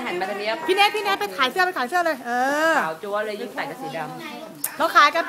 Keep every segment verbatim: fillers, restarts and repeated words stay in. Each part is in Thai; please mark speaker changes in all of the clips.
Speaker 1: หันมาทางนี้
Speaker 2: พี่เนทพี่เนทไปขายเสื้อไปขายเสื้อเลยเออ
Speaker 1: ขาวจั๊วเลยยิ่งใส่กับสีดำ
Speaker 2: เราขายกัน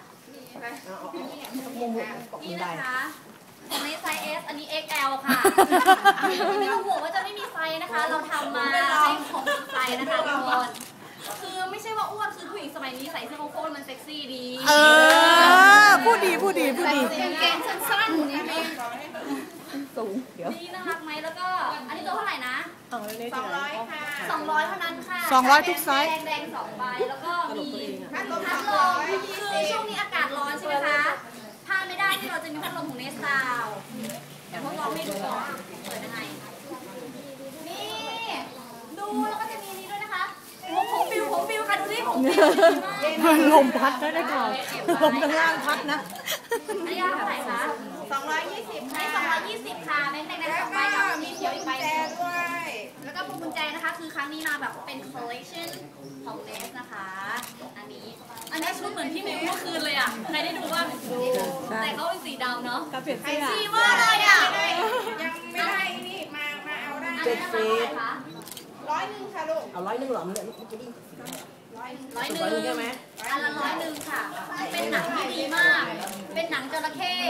Speaker 3: นี่นะคะของในไซส์ S อันนี้ เอ็กซ์ แอล ค่ะไม่ต้องห่วงว่าจะไม่มีไซส์นะคะเราทำมาให้ของไซส์นะคะทุกคนคือไม่ใช่ว่าอ้วนคือผู้หญิงสมัยนี้ใส่เสื้อโค้งมันเซ็กซี่ดี
Speaker 2: เออพูดดีพูดดีพูดดี
Speaker 3: กางเกงสั้นๆนี่สูงเดี๋ยวนี่น่ารักไหมแล้วก็อันนี้ตัวเท่าไหร่นะสองร้อยค่ะสองร้อยเท่านั้นค่ะ
Speaker 2: สองร้อยทุกไซส์
Speaker 3: แดงแดงสองใบแล้วก็มีพัดลมพัดลมคือช่วงนี้อากาศร้อนใช่ไหมคะพลาดไม่ได้ที่เราจะมีพัดลมของเนสซาวเดี๋ยวทดลองให้ดูก่อนเปิดยังไงนี่ดูแล้วก็จะมีนี้ด้วยนะคะผมผมฟิวผมฟิวค่ะดูดิผมฟิว
Speaker 2: ลมพัดได้ได้ก่อนลมข้างล่างพัดนะ
Speaker 3: อันนี้เท่าไหร่คะสองร้อยยี่สิบให้สองร้อยยี่สิบค่ะแบงค์แดงแดงสองใบกับมีเขียวอีกใบด้วยแล้วก็พวงกุญแจนะคะคือครั้งนี้มาแบบเป็น collection ของเนสนะคะอันนี้อันนี้ชุดเหมือนพี่มิวเมื่อคืนเลยอ่ะใครได้ดูบ้างแต่เขาเป็นสีดำเนาะ
Speaker 2: กับเปลี่ยนเสื้อ
Speaker 3: สีว่าเลยอ่ะ
Speaker 4: ยังไม่ได้นี่มามาเอาได้
Speaker 3: เจ็ดสิบ
Speaker 4: ร้อยหนึ่งค่ะลูก
Speaker 1: เอาร้อยหนึ่งหรอมันเนี่ย
Speaker 3: ร้อยหนึ่งใช่ไหมอันละร้อยหนึ่งค่ะเป็นหนังที่ดีมากเป็นหนังจระเข้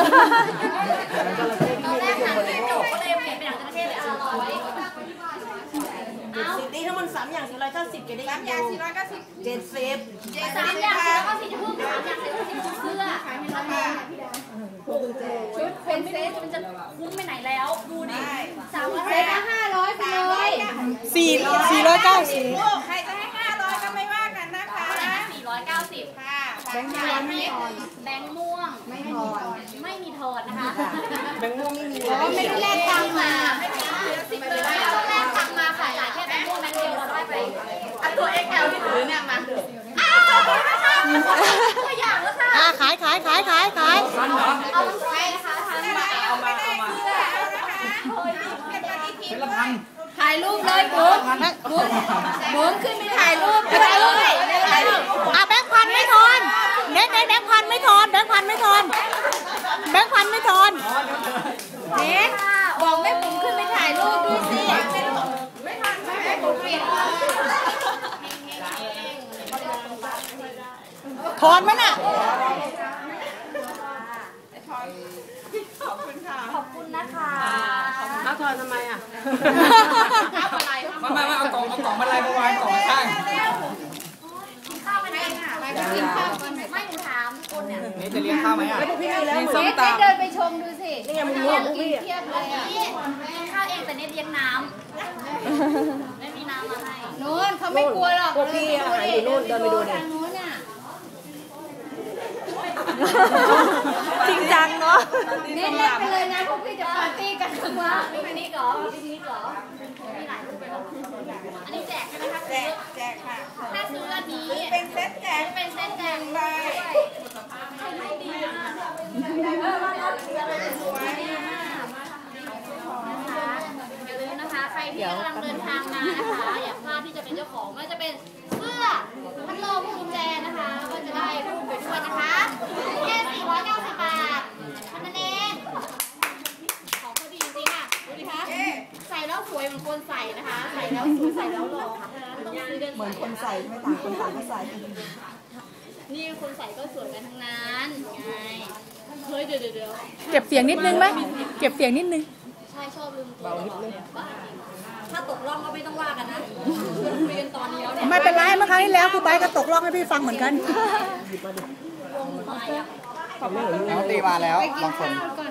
Speaker 3: ตอนแรกหนังไม่จบก็เลยเปลี่ยนเป็นหนังจระเข้เลยอันละร้อย
Speaker 1: สิบนี่ถ้ามันสามอย่างสี่ร้อยเก้าสิบเกได้
Speaker 4: สามอย่างสี่ร้อยเก้าสิบ
Speaker 1: เจ็ดสิบ
Speaker 3: สามอย่างสี่ร้อยเก้าสิบจะเพิ่มสามอย่างสี่ร้อยเก้าสิบเสื้อชุดเป็นเซตมันจะคุ้มไปไหนแล้วดูดิสามเซตห้าร้อยไปเลย
Speaker 2: สี่สี่ร้อยเก้าสิบ
Speaker 4: ใครจะให้ห้าร้อยก็ไม่ว่ากันนะคะ
Speaker 3: สี่ร้อยเก้าสิบค่ะแบงค์ม่วงไม่ถอนแบงค์ม่วงไม่ถอนไม่มีถอนนะคะ
Speaker 1: แบงค์ม่วงไม่มี
Speaker 3: เพราะไม่ได้แลกตังค์มาไม่มีสิบเลยไม่ต้องแลกตังค์มาค่ะจ่ายแค่แบงค์ม่วงแบงค์เดียวเราได้ไปอันตัว เอ็กซ์ แอล ที่ถือเนี่ยมาอ้าวตัวอย่างแล้วค่ะ
Speaker 2: ขายขายขายขายขาย
Speaker 3: เอาใช่นะคะทำมา
Speaker 4: เอามาเอามาเป็นละพัน
Speaker 3: ถ่ายรูปเลยบุ๊กบุ๊กบุ๊กขึ้นไปถ่ายรูปไปถ่ายรูปเลย
Speaker 2: อ่ะแบงค์พันไม่ทอนเน็ตเน็ตแบงค์พันไม่ทอนแบงค์พันไม่ทอนแบงค์พันไม่ทอน
Speaker 3: เน็ตบอกแม่ปุ๋มขึ้นไปถ่ายรูปด้วยสิไม่ทันแม่ปุ๋มเปลี่ยน
Speaker 2: ทอนไหมน่ะ
Speaker 4: ขอบคุณค่ะ
Speaker 3: ขอบคุณนะคะ
Speaker 1: เอาทอนทำไมอ่ะ
Speaker 4: มามามาเอากล่องเอากล่องมาลายมาวางกล่องข้าง
Speaker 3: กินข้าวกันไหมไปกินข้าวกันไม่หนูถามคนเนี่ย
Speaker 4: นี่จะเลี้ยงข้าวไหมอ่ะ
Speaker 1: พี่มีแล้ว
Speaker 3: เน็ตเดินไปชมดูสิ
Speaker 1: นี่ยังมึงรู้พี่
Speaker 3: เทียบเลยอ่ะกินข้าวเองแต่เน็ตเลี้ยงน้ำไม่มีน้ำมาให้นู้นเขาไม่กลัวหรอก
Speaker 1: พวกพี่อาหารอยู่นู่นเดินไปดูเนี่ย
Speaker 3: ทางนู้นอ่ะ
Speaker 2: จริงจังเนาะ
Speaker 3: เน็ตเล่นไปเลยนะพวกพี่จะปาร์ตี้กันทั้งวันปิกนิกเหรอปิกนิกเหรอมีหลายรูปไปหรออันนี้แจกใช่ไหมคะ
Speaker 4: แจกแจกค่ะ
Speaker 3: ถ้าซื้ออันนี้
Speaker 4: เป็นเซตแจก
Speaker 3: เป็นเซตแจกไปให้ดีนะอย่าลืมนะคะใครที่กำลังเดินทางมานะคะอย่าพลาดที่จะเป็นเจ้าของไม่จะเป็นเสื้อพัดลมกุญแจนะคะก็จะได้รูปไปด้วยนะคะแค่สี่ร้อยเก้าสิบบาทเท่านั้นเองของเขาดีจริงอ่ะดูดิคะใส่แล้วสวยเหมือนคนใส่นะคะใส่แล้วสวยใส่แล้วหล่อค่ะต้องซื้อเดินเหมือนคนใส่ไม่ต่างคนต่างก็ใส่นี่คนใส่ก็สวยกันทั้งนั้นไงเฮ้ยเดี๋ยวเดี๋ยว
Speaker 2: เก็บเสียงนิดนึงไหมเก็บเสียงนิดนึง
Speaker 3: ใช่ชอบลืมตัวถ้าตกล่องก็ไม่ต้องว่ากันนะคุยกันตอนนี้แล้วเนี่ย
Speaker 2: ไม่เป็นไรเมื่อครั้งที่แล้วครูไบก็ตกล่องให้พี่ฟังเหมือนกัน
Speaker 4: น้องตีมาแล้วบางคน